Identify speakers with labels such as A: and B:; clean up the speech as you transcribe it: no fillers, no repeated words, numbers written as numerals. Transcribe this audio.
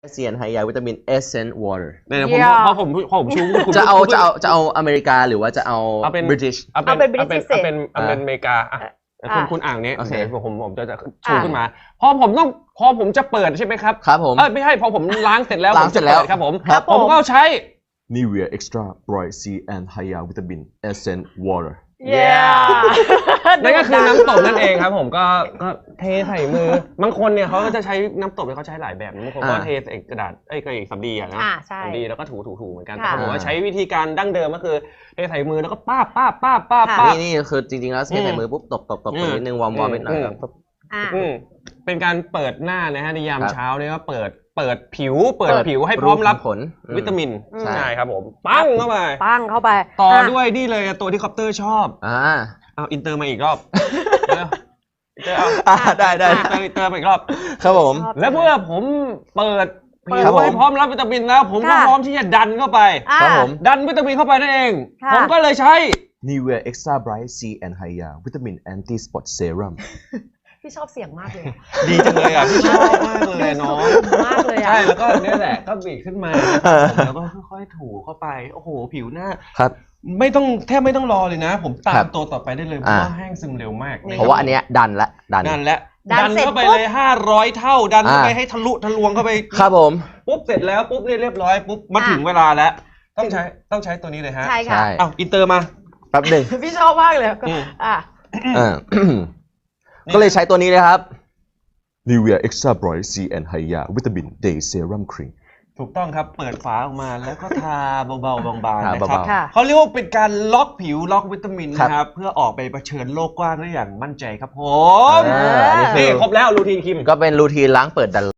A: เซียนไฮยาวิตามิน Essence Water
B: เนี่ยพอผมชู
A: จะเอาอเมริกาหรือว่าจะเอา British
B: เอาเป็นอเมริกาคุณอ่างนี้ผมจะชูขึ้นมาพอผมจะเปิดใช่ไหมครับ
A: ครับผม
B: ไม่ใช่พอผมล้างเสร็จแล้วครับผมก็ใช้
A: Nivea Extra Bright Sea and Hya Vitamin Essence Water
B: นั่นก็คือน้ำตบนั่นเองครับผมก็เทใส่มือบางคนเนี่ยเขาก็จะใช้น้ำตบเขาใช้หลายแบบบางคนก็เทใส่กระดาษกระดาษสำลีอะนะสำลีแล้วก็ถูเหมือนกันแต่ผมว่าใช้วิธีการดั้งเดิมก็คือเทใส่มือแล้วก็ป้า
A: นี่คือจริงๆแล้วเทใส่มือปุ๊บตบนิดนึงวอร์มนิดหน่อยครับ
B: เป็นการเปิดหน้านะฮะในยามเช้าเนี่ยก็เปิดผิวให้พร้อมรับวิตามินใช่ครับผมปั้งเข้าไปต่อด้วยนี่เลยตัวที่คอปเตอร์ชอบเอาอินเตอร์มาอีกรอบ
A: ได้
B: อินเตอร์มาอีกรอบ
A: ครับผม
B: แล้วเมื่อผมเปิดผิวให้พร้อมรับวิตามินแล้วผมก็พร้อมที่จะดันเข้าไป
A: ครับผม
B: ดันวิตามินเข้าไปนั่นเองผมก็เลยใช้
A: Nivea Extra Bright Sea and Hya Vitamin Anti Spot Serum
C: พี่ชอบเสียงมากเลย
B: ดีจังเลยอ่ะพี่ชอบมากเลยน้อง
C: มากเลยอ่ะ
B: ใช่แล้วก็เนี่ยแหละก็บีบขึ้นมาแล้วก็ค่อยๆถูเข้าไปโอ้โหผิวหน้า
A: ครับ
B: แทบไม่ต้องรอเลยนะผมตามตัวต่อไปได้เลยเพราะว่าแห้งซึมเร็วมาก
A: เพราะว่าอันเนี้ยดัน
B: เข้าไปเลย500เท่าดันเข้าไปให้ทะลุทะลวงเข้าไป
A: ครับผม
B: ปุ๊บเสร็จแล้วปุ๊บเนี่ยเรียบร้อยปุ๊บมาถึงเวลาแล้วต้องใช้ตัวนี้เลยฮะ
C: ใช่ค่ะ
B: เอาอินเตอร์มา
A: แป๊บหนึ่ง
C: พี่ชอบมากเลย
A: ก็เลยใช้ตัวนี้เลยครับ Nivea Extra Bright Sea and Hya Vitamin Day Serum Cream
B: ถูกต้องครับเปิดฝาออกมาแล้วก็ทาเบาๆบางๆนะครับเขาเรียกว่าเป็นการล็อกผิวล็อกวิตามินนะครับเพื่อออกไปเผชิญโลกกว้างได้อย่างมั่นใจครับผมนี่ครบแล้วรูทีนคิม
A: ก็เป็นรูทีนล้างเปิดดัน